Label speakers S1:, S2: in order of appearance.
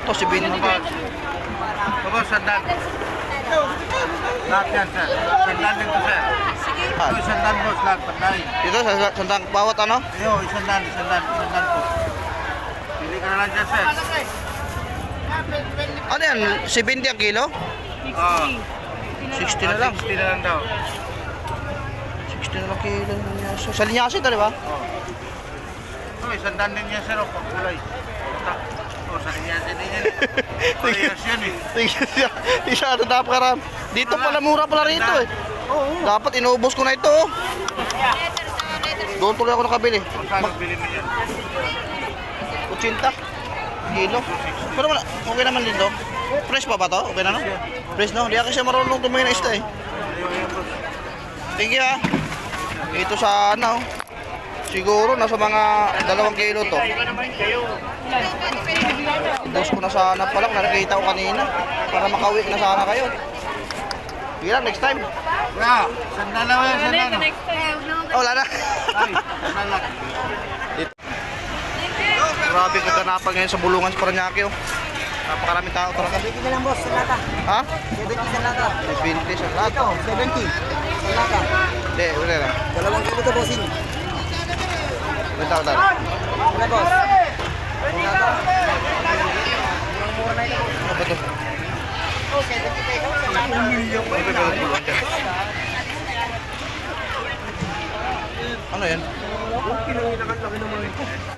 S1: Ito, si Bin.
S2: Tapos, sandan. Lahat yan, sir. Sandan din ko, sir. Ito, sandan, boss. Lahat, patay.
S1: Dito, sandang bawat ano?
S2: Iyo, sandan po. Pili ka na lang dyan, sir.
S1: Ano yan? 70 ang kilo? 60 na lang.
S2: 60 na lang daw.
S1: 60 na lang kilo. Linyasa. Sa linyasa ito, di ba?
S2: Ito, sandan din yan, sir. Pag kulay. O, sa kanya din yan. Parehas yan, eh.
S1: Isa ito dapat karam. Dito pala mura pala rito eh. Dapat inuubos ko na ito. Doon tuloy ako nakabili.
S2: Magkano bili mo yan?
S1: 80 kilo. Pero wala, okay naman dito. Fresh pa ba to? Okay na no? Fresh no? Hindi ako siya marunong tumingin na isda eh. Thank you ha. Ito sa ano. Siguro nasa mga 2 kilo to. Ubos ko na sana pala kung nakikita ko kanina. Para makauwi na sana kayo. Sige lang, next time.
S2: Wala, sandan na yan, sandan.
S1: Oh, wala na.
S2: Ay, sandan lang.
S1: Grabe kaganapan ngayon sa Bulungan sa Paranaque oh. Napakaraming tao talaga.
S3: 70 na lang boss, sa lata.
S1: Ha?
S3: 70 sa lata.
S1: 20 sa lahat.
S3: Ito, 70 sa lata.
S1: Hindi, wala na.
S3: 2 kilo to bossing.
S1: Wala.
S3: Wala boss. Sa lata.
S1: Ano ba ito?
S3: Oh, 70 pesos.
S1: Ano ba yung Bulungan dyan? Ano yan?